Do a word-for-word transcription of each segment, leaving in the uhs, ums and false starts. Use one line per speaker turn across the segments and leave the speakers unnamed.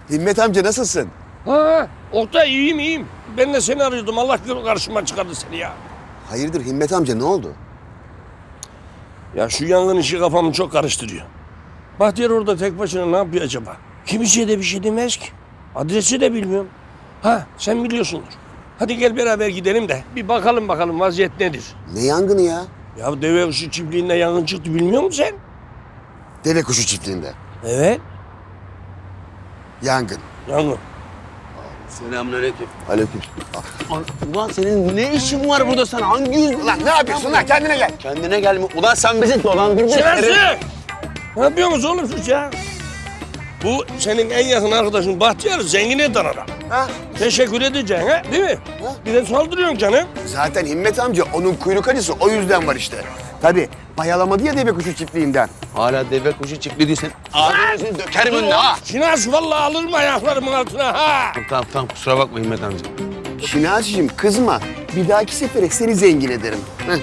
Himmet amca nasılsın?
Ha, Oktay iyiyim iyiyim. Ben de seni arıyordum. Allah karşıma çıkardı seni ya.
Hayırdır Himmet amca ne oldu?
Ya şu yangın işi kafamı çok karıştırıyor. Bahtiyar orada tek başına ne yapıyor acaba? Kimseye de bir şey demez ki. Adresi de bilmiyorum. Ha sen biliyorsundur. Hadi gel beraber gidelim de bir bakalım bakalım vaziyet nedir?
Ne yangını ya?
Ya deve kuşu çiftliğinde yangın çıktı bilmiyor musun sen?
Deve kuşu çiftliğinde.
Evet.
Yangın.
Yangın.
Selamünaleyküm.
Aleyküm.
Ulan senin ne işin var burada sen? Hangi yüzle?
Lan ne yapıyorsun lan kendine gel.
Kendine gelme. Ulan sen bizi dolandırdın.
Şerefsiz! Ne yapıyorsunuz oğlum siz ya? Bu senin en yakın arkadaşın Bahtiyar zengin eden adam.
Ha?
Teşekkür edeceksin ha değil mi?
Ha?
Bir de saldırıyorsun canım.
Zaten Himmet amca onun kuyruk acısı o yüzden var işte. Tabii bayalamadı ya deve kuşu çiftliğinden.
Hala deve kuşu çiftliği değilsen ağzını dökerim önüne ha.
Şinas vallahi alırım ayaklarımın altına ha.
Tamam tamam kusura bakma Himmet amca.
Şinasi'cim kızma. Bir dahaki sefere seni zengin ederim. Heh.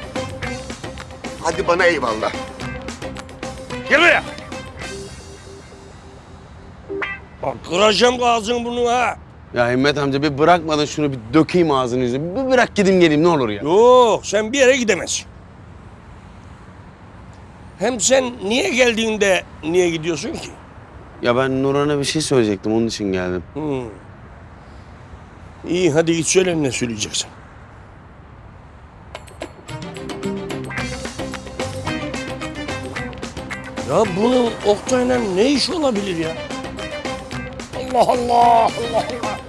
Hadi bana eyvallah.
Gel buraya. Bak kıracağım ağzını bunu ha.
Ya Himmet amca bir bırakmadın şunu bir dökeyim ağzını yüzünü. Bir bırak gideyim geleyim ne olur ya.
Yok sen bir yere gidemezsin. Hem sen niye geldiğinde niye gidiyorsun ki?
Ya ben Nurhan'a bir şey söyleyecektim onun için geldim.
Hmm. İyi hadi git söyle ne söyleyeceksin. Ya bunun Oktay'la ne iş olabilir ya? Allah Allah Allah Allah.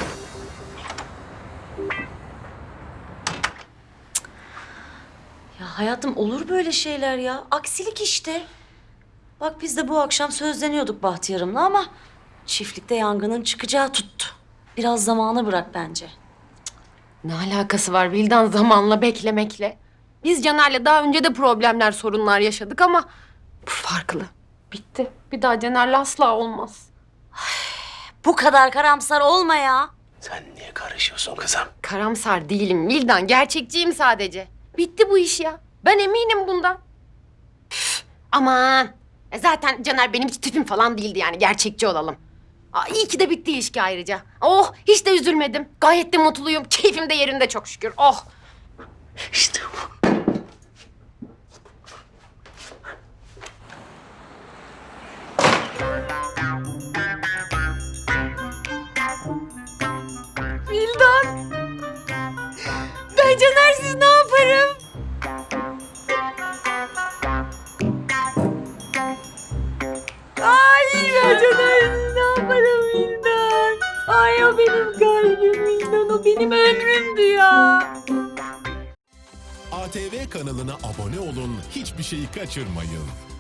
Ya hayatım olur böyle şeyler ya. Aksilik işte. Bak biz de bu akşam sözleniyorduk Bahtiyar'ımla ama çiftlikte yangının çıkacağı tuttu. Biraz zamana bırak bence.
Ne alakası var Vildan zamanla beklemekle? Biz Caner'le daha önce de problemler, sorunlar yaşadık ama bu farklı. Bitti. Bir daha Caner'le asla olmaz.
Bu kadar karamsar olma ya.
Sen niye karışıyorsun kızım?
Karamsar değilim Vildan, gerçekçiyim sadece. Bitti bu iş ya. Ben eminim bundan. Üf, aman. E zaten Caner benim hiç tipim falan değildi yani, gerçekçi olalım. Aa, iyi ki de bitti ilişki ayrıca. Oh, hiç de üzülmedim. Gayet de mutluyum. Keyfim de yerinde çok şükür. Oh.
İşte bu.
Vildan. Ben Caner'siz ne yaparım? Ay ben Caner'siz ne yaparım Vildan? Ay o benim kalbim Vildan, o benim ömrümdü ya.
A T V kanalına abone olun, hiçbir şeyi kaçırmayın.